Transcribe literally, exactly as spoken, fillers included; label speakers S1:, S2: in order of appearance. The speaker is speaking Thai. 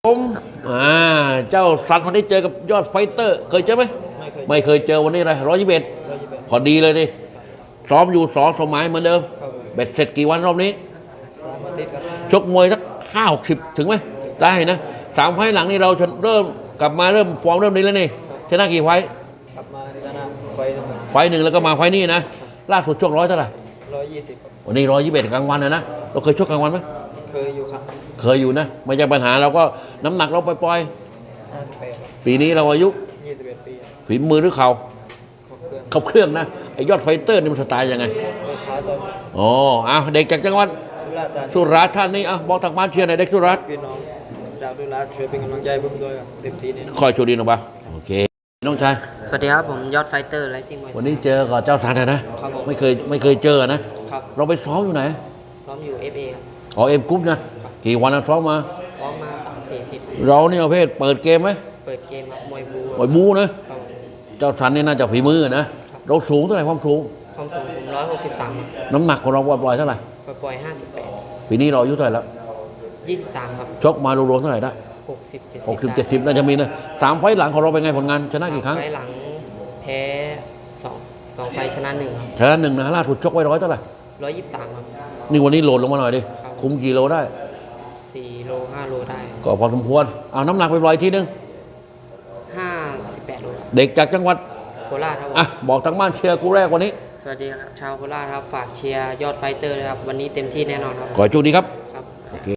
S1: ผมอ่าเจ้าสันวันนี้เจอกับยอดไฟเตอร์เคยเจอไหมไม่เคยเจอวันนี้เลยร้อยยี่สิบเอ็ดพอดีเลยดิซ้อมอยู่สองสมัยเหมือนเดิมเบ็ดเสร็จกี่วันรอบนี้ชกมวยสักห้าหกสิบถึงไหมได้นะสามไฟหลังนี่เราเริ่มกลับมาเริ่มฟอร์มเริ่มดีแล้วนี่ชนะกี่ไฟ
S2: กลับมาชนะไฟหนึ่ง
S1: ไฟหนึ่งแล้วก็มาไฟนี่นะล่าสุดชกร้อยเท่าไหร่
S2: ร้อยยี่สิบ
S1: วันนี้ร้อยยี่สิบเอ็ดกลางวันนะนะเราเคยชกกลางวันไหม
S2: เคยอยู่ครับ
S1: เคยอยู่นะไม่ใช่ปัญหาเราก็น้ำหนักเราปล่อย
S2: ห้าสิบแปด
S1: ปีนี้เราอายุ
S2: ยี่สิบเอ็ดปี
S1: ฝีมือหรือเข่า
S2: ครบเครื่อง
S1: ขับเครื่องนะไอยอดไฟเตอร์นี่มันสไตล์ยังไง
S2: ขาต้น
S1: อ๋อเอาเด็กจากจังหวัด
S2: สุราษฎร์ธานี
S1: สุราษฎร์ธานีอ่ะบอกทางบ้านเชียร์หน่อยเด็กสุราษฎร์
S2: พี่น้องชาวสุราษฎร์ช่วยเป็นกำลังใจผมด้วยครับเต็มที่นี่
S1: คอยโชว์ดีหน่อยป่ะโอเคน้องชาย
S3: สวัสดีครับผมยอดไฟเตอร์ไรซิ่ง
S1: วันนี้เจอกับเจ้าสันนะครับไม่เคยไม่เคยเจอนะครับเราไปซ้อมอยู่ไหน
S3: ซ้อมอยู่ เอฟ เอ ครับ
S1: อ๋อเอ็มกรุ๊ปนะกี่วันนะซ้อมมา
S3: ซ้อมมาสามสี่อาทิตย์
S1: เรานี่ประเภทเปิดเกมไหม
S3: เปิดเกมครับมวยบู
S1: มวยบูนะเจ้าสันนี่น่าจะฝีมือนะเราสูงเท่าไหร่ความสูง
S3: ความสูงผมร้อยหกสิบสาม
S1: น้ำหนักของเราปล่อยเท่าไหร่
S3: ปล่อยห้าสิบแปด
S1: ปีนี้เราอายุเท่าไหร่แล้ว
S3: ยี่สิบสามครับ
S1: ชกมารวมๆเท่าไหร่ได้
S3: หกสิบเจ็ดสิบ
S1: หกสิบเจ็ดสิบน่าจะมีนะสามไฟหลังของเราเป็นไงผลงานชนะกี่ครั้ง
S3: ไฟหลังแพ้สองสองไฟชนะหนึ่ง
S1: ชนะหนึ่งนะล่าสุดชกไว้ร้อยเท่าไหร่
S3: ร้อยยี่สิบสามครับ
S1: นี่วันนี้โหลดลงมาหน่อยดิคุมกี่โลได้
S3: สี่โลห้าโลได้
S1: ก็พอสมควรเอาน้ำหนักไปปล่อยทีนึง
S3: ห้าสิบแปดโล
S1: เด็กจากจังหวัด
S3: โคราชครับ
S1: อ่ะบอกทางบ้านเชียร์คู่แรกวันนี้
S3: สวัสดีครับชาวโคราชครับฝากเชียร์ยอดไฟเตอร์เลยครับวันนี้เต็มที่แน่นอนครับ
S1: ขอโชคดีครับ